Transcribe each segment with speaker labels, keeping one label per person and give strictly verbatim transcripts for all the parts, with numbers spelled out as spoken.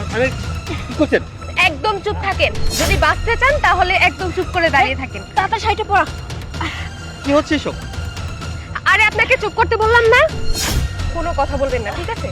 Speaker 1: আরে কি করছেন?
Speaker 2: একদম চুপ থাকেন। যদি বাঁচতে চান তাহলে একদম চুপ করে দাঁড়িয়ে থাকেন।
Speaker 3: তাতা সাইডে পড়া।
Speaker 1: কি হচ্ছে এসব?
Speaker 2: আরে আপনাকে চুপ করতে বললাম না, কোনো কথা বলবেন না, ঠিক আছে?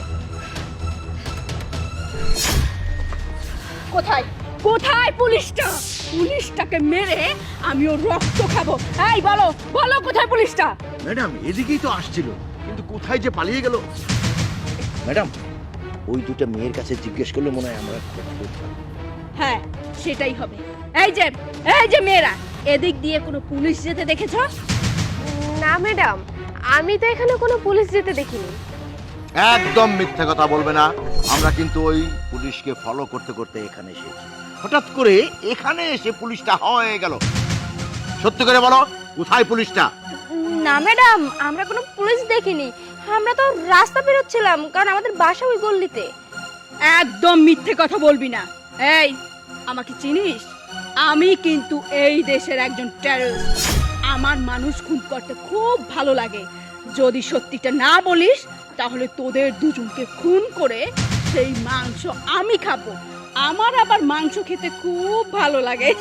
Speaker 3: কোথায় কোথায় পুলিশটা? পুলিশটাকে মেরে আমি ওর রক্ত খাবো। এই বলো বলো কোথায় পুলিশটা?
Speaker 4: ম্যাডাম এদিকেই তো আসছিল, কিন্তু কোথায় যে পালিয়ে গেল। ম্যাডাম ওই দুটো মেয়ের কাছে জিজ্ঞেস করলে মনে হয় আমরা
Speaker 3: হ্যাঁ সেটাই হবে। এই যে এই যে মেয়েরা, এদিক দিয়ে কোনো পুলিশ যেতে দেখেছো?
Speaker 2: না ম্যাডাম, আমি তো এখানে কোনো পুলিশ যেতে দেখিনি।
Speaker 4: একদম মিথ্যা কথা বলবে না। আমরা কিন্তু ওই পুলিশকে ফলো করতে করতে এখানে এসেছি। হঠাৎ করে এখানে এসে পুলিশটা হয়ে গেল। সত্যি করে বলো, কোথায় পুলিশটা?
Speaker 2: না ম্যাডাম, আমরা কোনো পুলিশ দেখিনি। আমরা তো রাস্তা বেরোচ্ছিলাম, কারণ আমাদের বাসা ওই গল্লিতে।
Speaker 3: একদম মিথ্যে কথা বলবি না। এই আমাকে চিনিস? আমি কিন্তু এই দেশের একজন টেররিস্ট। আমার মানুষ খুন করতে খুব ভালো লাগে। যদি সত্যিটা না বলিস তাহলে তোদের দুজনকে খুন করে সেই মাংস আমি খাবো। আমার আবার মাংস খেতে খুব ভালো লাগে।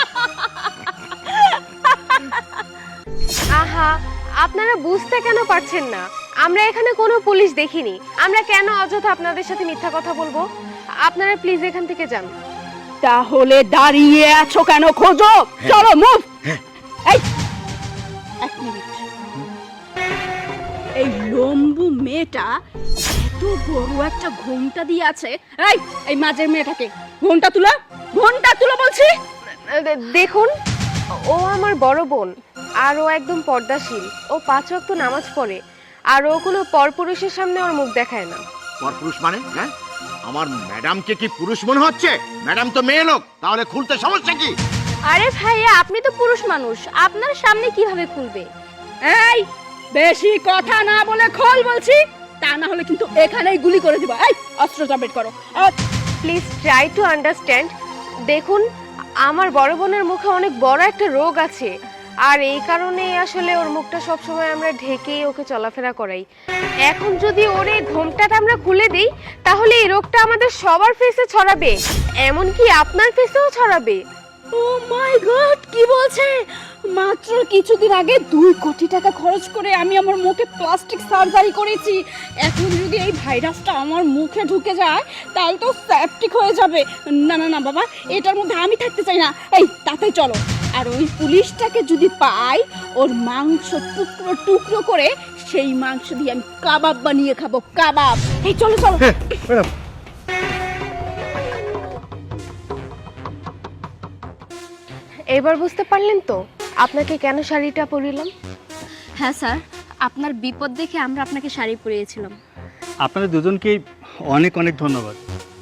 Speaker 2: আহা, আপনারা বুঝতে কেন পারছেন না? আমরা এখানে কোনো পুলিশ দেখিনি। আমরা কেন অযথা আপনাদের সাথে মিথ্যা কথা বলবো? আপনারা প্লিজ এখান থেকে যান।
Speaker 3: তাহলে দাঁড়িয়ে আছো কেন? খোঁজো, চলো মুভ। এই এক মিনিট, এই লম্বু মেয়েটা এত বড় একটা ঘোমটা দিয়ে আছে। এই এই মাঝের মেয়েটাকে ঘোমটা তুলো, ঘোমটা তুলো বলছি।
Speaker 2: দে- দেখুন, ও আমার বড় বোন, আর ও একদম পর্দাশীল। ও পাঁচ ওয়াক্ত নামাজ পড়ে, আর ও কোনো পরপুরুষের সামনে ওর মুখ দেখায় না।
Speaker 4: পরপুরুষ মানে? হ্যাঁ, আমার ম্যাডামকে কি পুরুষ মনে হচ্ছে? ম্যাডাম তো মেয়ে লোক, তাহলে খুলতে সমস্যা কি?
Speaker 2: আরে ভাইয়া, আপনি তো পুরুষ মানুষ, আপনার সামনে কিভাবে খুলবে?
Speaker 3: এই বেশি কথা না বলে খোল বলছি, তা না হলে কিন্তু এখানেই গুলি করে দিব। এই অস্ত্রটা বের করো।
Speaker 2: Please try to understand. দেখুন, আমার বড় বোনের মুখে অনেক বড় একটা রোগ আছে, আর এই কারণে আসলে ওর মুখটা সবসময় আমরা ঢেকেই ওকে চলাফেরা করাই। এখন যদি ওর এই ঘোমটাটা আমরা খুলে দিই, তাহলে এই রোগটা আমাদের সবার ফেসে ছড়াবে, এমনকি আপনার ফেসেও ছড়াবে।
Speaker 3: ও মাই গড, কি বলছে? মাত্র কিছুদিন আগে দুই কোটি টাকা খরচ করে আমি আমার মুখে প্লাস্টিক সার্জারি করেছি। এখন যদি এই ভাইরাসটা আমার মুখে ঢুকে যায় তাহলে তো সেপটিক হয়ে যাবে। না না না বাবা, এটার মধ্যে আমি থাকতে চাই না। এই তাতে চলো, আর ওই পুলিশটাকে যদি পাই, ওর মাংস টুকরো টুকরো করে সেই মাংস দিয়ে আমি কাবাব বানিয়ে খাবো, কাবাব। এই চলো চলো।
Speaker 1: ম্যাডাম,
Speaker 2: এবার বুঝতে পারলেন তো আপনাকে কেন শাড়িটা পরিলাম?
Speaker 5: হ্যাঁ স্যার, আপনার বিপদ দেখে আমরা আপনাকে শাড়ি পরিয়েছিলাম।
Speaker 1: আপনাদের দুজনকেই অনেক অনেক ধন্যবাদ।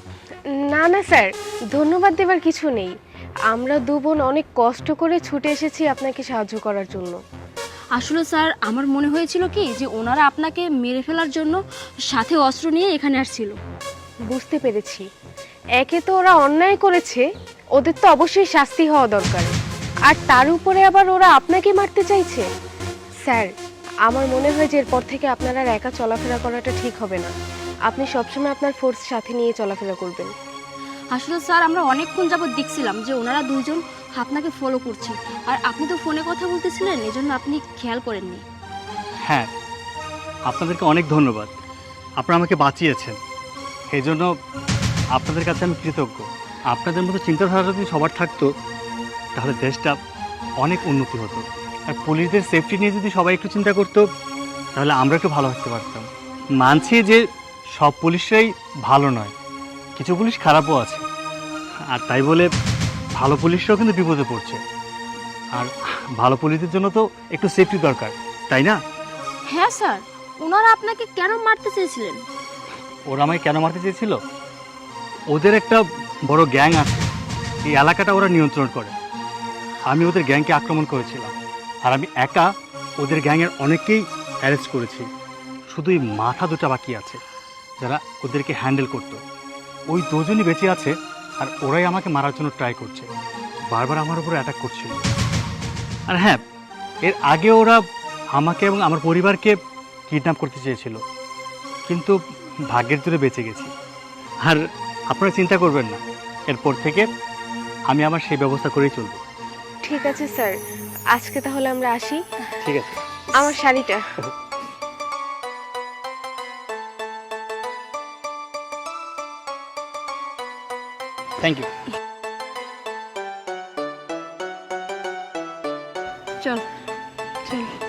Speaker 2: না না স্যার, ধন্যবাদ দেবার কিছু নেই। আমরা দু বোন অনেক কষ্ট করে ছুটে এসেছি আপনাকে সাহায্য করার জন্য।
Speaker 5: আসলে স্যার, আমার মনে হয়েছিল কি যে ওনারা আপনাকে মেরে ফেলার জন্য সাথে অস্ত্র নিয়ে এখানে আসছিল।
Speaker 2: বুঝতে পেরেছি। একে তো ওরা অন্যায় করেছে, ওদের তো অবশ্যই শাস্তি হওয়া দরকার, আর তার উপরে আবার ওরা আপনাকে মারতে চাইছে। স্যার, আমার মনে হয় যে এরপর থেকে আপনার আর একা চলাফেরা করাটা ঠিক হবে না। আপনি সবসময় আপনার ফোর্স সাথে নিয়ে চলাফেরা করবেন।
Speaker 5: আসলে স্যার, আমরা অনেকক্ষণ যাবত দেখছিলাম যে ওনারা দুজন আপনাকে ফলো করছে, আর আপনি তো ফোনে কথা বলতেছিলেন, এজন্য আপনি খেয়াল করেননি।
Speaker 1: হ্যাঁ, আপনাদেরকে অনেক ধন্যবাদ। আপনারা আমাকে বাঁচিয়েছেন, এই জন্য আপনাদের কাছে আমি কৃতজ্ঞ। আপনাদের মতো চিন্তাধারা যদি সবার থাকতো তাহলে দেশটা অনেক উন্নতি হতো, আর পুলিশদের সেফটি নিয়ে যদি সবাই একটু চিন্তা করতো তাহলে আমরা একটু ভালো থাকতে পারতাম। মানছি যে সব পুলিশরাই ভালো নয়, কিছু পুলিশ খারাপও আছে, আর তাই বলে ভালো পুলিশরাও কিন্তু বিপদে পড়ছে। আর ভালো পুলিশদের জন্য তো একটু সেফটি দরকার, তাই না?
Speaker 5: হ্যাঁ স্যার, ওনারা আপনাকে কেন মারতে চেয়েছিলেন?
Speaker 1: ওরা আমায় কেন মারতে চেয়েছিল? ওদের একটা বড় গ্যাং আছে, এই এলাকাটা ওরা নিয়ন্ত্রণ করে। আমি ওদের গ্যাংকে আক্রমণ করেছিলাম, আর আমি একা ওদের গ্যাংয়ের অনেককেই অ্যারেস্ট করেছি। শুধু এই মাথা দুটা বাকি আছে যারা ওদেরকে হ্যান্ডেল করতো। ওই দুজনই বেঁচে আছে, আর ওরাই আমাকে মারার জন্য ট্রাই করছে, বারবার আমার উপরে অ্যাটাক করছিল। আর হ্যাঁ, এর আগে ওরা আমাকে এবং আমার পরিবারকে কিডন্যাপ করতে চেয়েছিল, কিন্তু ভাগ্যের জোরে বেঁচে গেছি। আর আপনারা চিন্তা করবেন না, এরপর থেকে আমি আমার সেই ব্যবস্থা করেই চলব।
Speaker 2: ঠিক আছে স্যার, আজকে তাহলে আমরা আসি।
Speaker 1: ঠিক আছে।
Speaker 2: আমার শাড়িটা।
Speaker 1: Thank you.
Speaker 3: চল চল